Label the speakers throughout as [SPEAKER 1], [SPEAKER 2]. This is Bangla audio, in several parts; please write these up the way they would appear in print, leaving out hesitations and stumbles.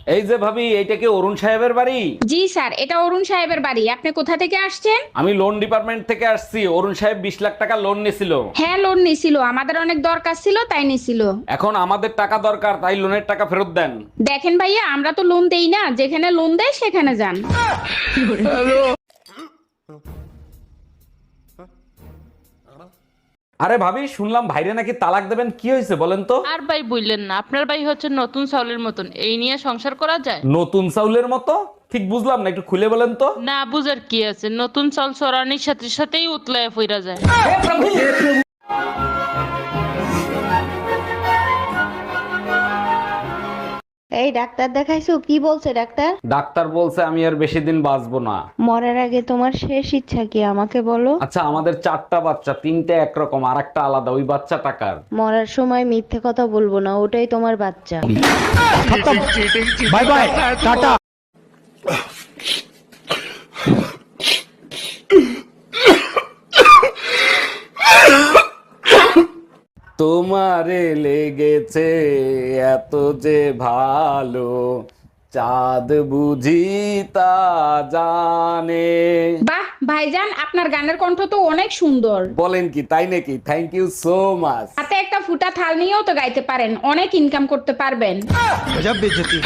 [SPEAKER 1] এই যে ভাবি, এইটা কি অরুণ সাহেবের বাড়ি?
[SPEAKER 2] জি স্যার, এটা অরুণ সাহেবের বাড়ি। আপনি কোথা থেকে আসছেন?
[SPEAKER 1] আমি লোন ডিপার্টমেন্ট থেকে আসছি। অরুণ সাহেব 20 লাখ টাকা লোন নিছিল।
[SPEAKER 2] হ্যাঁ, লোন নিছিল, আমাদের অনেক দরকার ছিল তাই নিছিল।
[SPEAKER 1] এখন আমাদের টাকা দরকার, তাই লোনের টাকা ফেরত দেন।
[SPEAKER 2] দেখেন ভাইয়া, আমরা তো লোন দেই না, যেখানে লোন দেয় সেখানে যান।
[SPEAKER 1] আরে ভাবি, শুনলাম ভাইরে নাকি তালাক দেবেন, কি হয়েছে বলেন তো?
[SPEAKER 3] আর ভাই বললেন না, আপনার ভাই হচ্ছে নতুন চাউলের মতন, এই নিয়ে সংসার করা যায়?
[SPEAKER 1] নতুন চাউলের মতো? ঠিক বুঝলাম না, একটু খুলে বলেন তো।
[SPEAKER 3] না বুঝার কি আছে, নতুন চাল চড়ানির সাথে সাথেই উতলায় ফিরা যায়।
[SPEAKER 4] এই ডাক্তার দেখাইছো? কি বলছে ডাক্তার?
[SPEAKER 1] ডাক্তার বলছে আমি আর বেশি দিন বাঁচবো না।
[SPEAKER 4] মরার আগে তোমার শেষ ইচ্ছা কি আমাকে বলো?
[SPEAKER 1] আচ্ছা, আমাদের 4টা বাচ্চা, 3টে একরকম আর একটা আলাদা, ওই বাচ্চা টাকার।
[SPEAKER 4] মরার সময় মিথ্যে কথা বলবো না, ওটাই তোমার বাচ্চা।
[SPEAKER 5] বাই বাই, টাটা।
[SPEAKER 1] তোমারে লেগেছে এত যে ভালো, চাঁদ বুঝি তা জানে।
[SPEAKER 2] বাহ ভাইজান, আপনার গানের কণ্ঠ তো অনেক সুন্দর।
[SPEAKER 1] বলেন কি, তাই নাকি? Thank you so much.
[SPEAKER 2] হাতে একটা ফুটা থাল নিয়েও তো গাইতে পারেন, অনেক ইনকাম করতে পারবেন।
[SPEAKER 5] গজব বেইজ্জতি।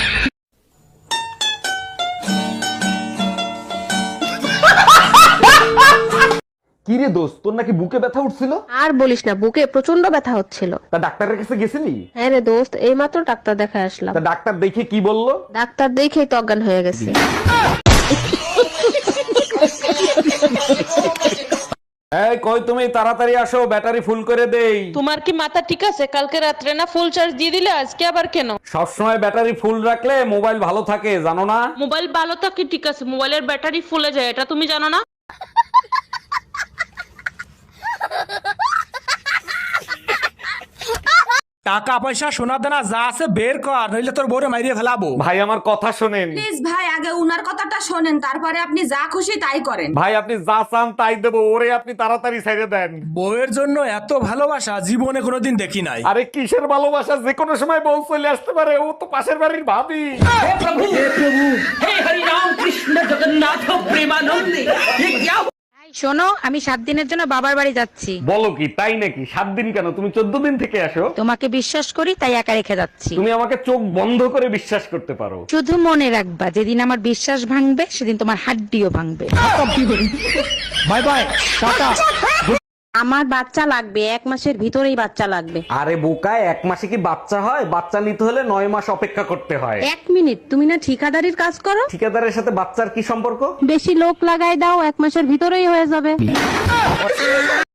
[SPEAKER 1] কি রে দোস্ত, তোর নাকি বুকে ব্যথা উঠছিল?
[SPEAKER 4] আর বলিস না, বুকে প্রচন্ড ব্যথা হচ্ছিল।
[SPEAKER 1] তা ডাক্তারের কাছে গেছিলি?
[SPEAKER 4] হ্যাঁ রে দোস্ত, এইমাত্র ডাক্তার দেখা আসলাম।
[SPEAKER 1] তা ডাক্তার দেখে কি বললো?
[SPEAKER 4] ডাক্তার দেখেই তো অজ্ঞান হয়ে গেছে।
[SPEAKER 1] এই কই তুমি, তাড়াতাড়ি আসো, ব্যাটারি ফুল করে দেই।
[SPEAKER 3] তোমার কি মাথা ঠিক আছে? কালকে রাত্রে না ফুল চার্জ দিয়ে দিলে, আজকে আবার কেন?
[SPEAKER 1] সবসময় ব্যাটারি ফুল রাখলে মোবাইল ভালো থাকে, জানো না?
[SPEAKER 3] মোবাইল ভালো থাকে ঠিক আছে, মোবাইলের ব্যাটারি ফুলে যায়, এটা তুমি জানো না?
[SPEAKER 5] টাকা পয়সা সোনা দানা যা আছে বের কর, নইলে তোর বউরে মাইরিয়ে ফেলাবো।
[SPEAKER 1] ভাই আমার কথা শোনেন।
[SPEAKER 6] প্লিজ ভাই, আগে উনার কথাটা শোনেন, তারপরে আপনি যা খুশি তাই করেন।
[SPEAKER 1] ভাই আপনি যা চান তাই দেবো, ওরে আপনি তাড়াতাড়ি ছেড়ে দেন।
[SPEAKER 5] বউয়ের জন্য এত ভালোবাসা জীবনে কোনোদিন দেখি নাই।
[SPEAKER 1] আরে কিসের ভালোবাসা, যে কোনো সময় বউ চলে আসতে পারে, ও তো পাশের বাড়ির ভাবি।
[SPEAKER 7] শোনো, আমি 7 দিনের জন্য বাবার বাড়ি যাচ্ছি।
[SPEAKER 1] বলো কি, তাই নাকি? 7 দিন কেন, তুমি 14 দিন থেকে আসো।
[SPEAKER 7] তোমাকে বিশ্বাস করি তাই একা রেখে যাচ্ছি।
[SPEAKER 1] তুমি আমাকে চোখ বন্ধ করে বিশ্বাস করতে পারো।
[SPEAKER 7] শুধু মনে রাখবা, যেদিন আমার বিশ্বাস ভাঙবে সেদিন তোমার হাড্ডিও ভাঙবে।
[SPEAKER 5] বাই বাই, টাটা।
[SPEAKER 4] আমার বাচ্চা লাগবে, 1 মাসের ভিতরেই বাচ্চা লাগবে।
[SPEAKER 1] আরে বোকা, 1 মাসে কি বাচ্চা হয়? বাচ্চা নিতে হলে 9 মাস অপেক্ষা করতে হয়।
[SPEAKER 4] 1 মিনিট, তুমি না ঠিকাদারির কাজ করো?
[SPEAKER 1] ঠিকাদারের সাথে বাচ্চার কি সম্পর্ক?
[SPEAKER 4] বেশি লোক লাগাই দাও, 1 মাসের ভিতরেই হয়ে যাবে।